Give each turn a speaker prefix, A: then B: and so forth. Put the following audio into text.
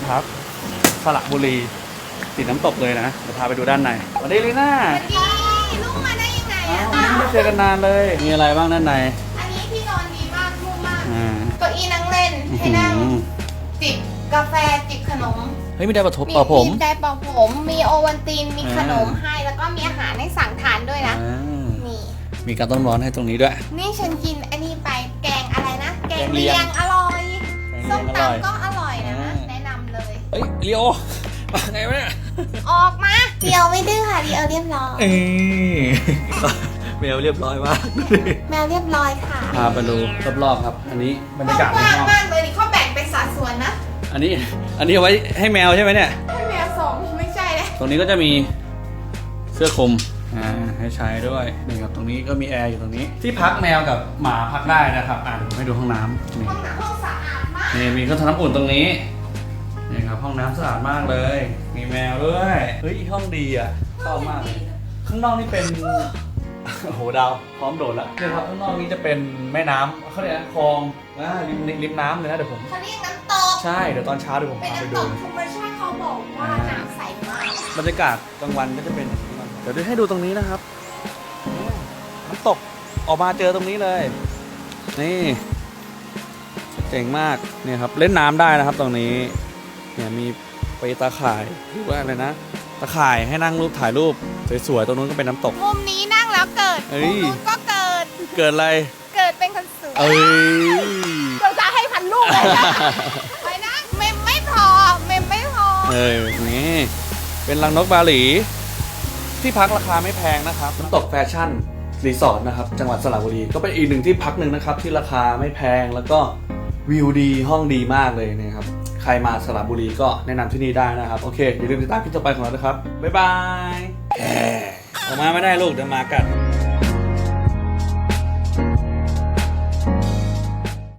A: พักสระบุรีติดน้ำตกเลยนะเดี๋ยวพาไปดูด้านในสวัสดีลีน่า
B: ลูกมาได้ยังไง
A: ไม่เจอกันนานเลยมีอะไรบ้างด้านใน
B: อันนี้ที่นอนดีมากนุ่มมากเก้าอี้นั่งเล่นให้นั่งจิบกาแฟจิบขนม
A: เฮ้ยมีได้เป่าผม
B: มีได้เป่าผมมีโอวัลตินมีขนมให้แล้วก็มีอาหารให้สั่งทานด้วยนะนี่
A: มีการต้มร้อนให้ตรงนี้ด้วย
B: นี่ฉันกินอันนี้ไปแกงอะไรนะแกงเลียงอร่อยส้มตำก็อร่อยนะแนะนำเลย
A: เฮ้ยเลียวมาไงวะเนี่ย
B: ออกมาเดียวไม่ดื้อค่ะเดียวเรียบร้อย
A: แมวเรียบร้อยมาก
B: แมวเรียบร้อยค่ะ
A: พาไปดูรอบๆครับอันนี้บรรยากาศ
B: กว้างมากเลยนี่เขาแบ่งเป็นสัดส่วนนะ
A: อันนี้เอาไว้ให้แมวใช่ไหมเนี่ย
B: ให้แมวส่งไม่ใช่เลย
A: ตรงนี้ก็จะมีเสื้อคลุมให้ใช้ด้วยนี่ครับตรงนี้ก็มีแอร์อยู่ตรงนี้ที่พักแมวกับหมาพักได้นะครับผมให้ดูห้องน้ำนี่
B: ห้องสะอาดมาก
A: นี่มีเครื่องทำน้ำอุ่นตรงนี้นี่ครับห้องน้ำสะอาดมากเลยมีแมวด้วยเฮ้ยห้องดีอ่ะชอบมากเลยข้างนอกนี่เป็นโอ้โหดาวพร้อมโดดแล้วเนี่ยครับข้างนอกนี้จะเป็นแม่น้ำเขาเรียกคลองริมน้ำเลยนะเดี๋ยวผม
B: เขาเรียกน้ำตก
A: ใช่เดี๋ยวตอนเช้าเดี๋ยวผมพาไปดู
B: เป็นน้ำตกธรรมชาติเขาบอกว่าน้ำใสมาก
A: บรรยากาศกลางวันก็จะเป็นเดี๋ยวให้ดูตรงนี้นะครับน้ำตกออกมาเจอตรงนี้เลยนี่เจ๋งมากเนี่ยครับเล่นน้ำได้นะครับตรงนี้เนี่ยมีไปตาข่ายหรือว่าอะไรนะตาข่ายให้นั่งรูปถ่ายรูปสวยๆตรงนู้นก็เป็นน้ำตก
B: มุมนี้นั่งแล้วเกิดมุมนู้นก็เกิด
A: อะไร
B: เกิดเป็นคนสวยเราจะให้พันลูกเลยนะไปนะเมมไม่พอ
A: นี่เป็นรังนกบาหลีที่พักราคาไม่แพงนะครับน้ำตกแฟชั่นรีสอร์ทนะครับจังหวัดสระบุรีก็เป็นอีกหนึ่งที่พักหนึ่งนะครับที่ราคาไม่แพงแล้วก็วิวดีห้องดีมากเลยนะครับใครมาสระบุรีก็แนะนำที่นี่ได้นะครับโอเคอย่าลืมติดตามคลิปต่อไปของเราด้วยครับบ๊ายบายออกมาไม่ได้ลูกเดี๋ยวมากัด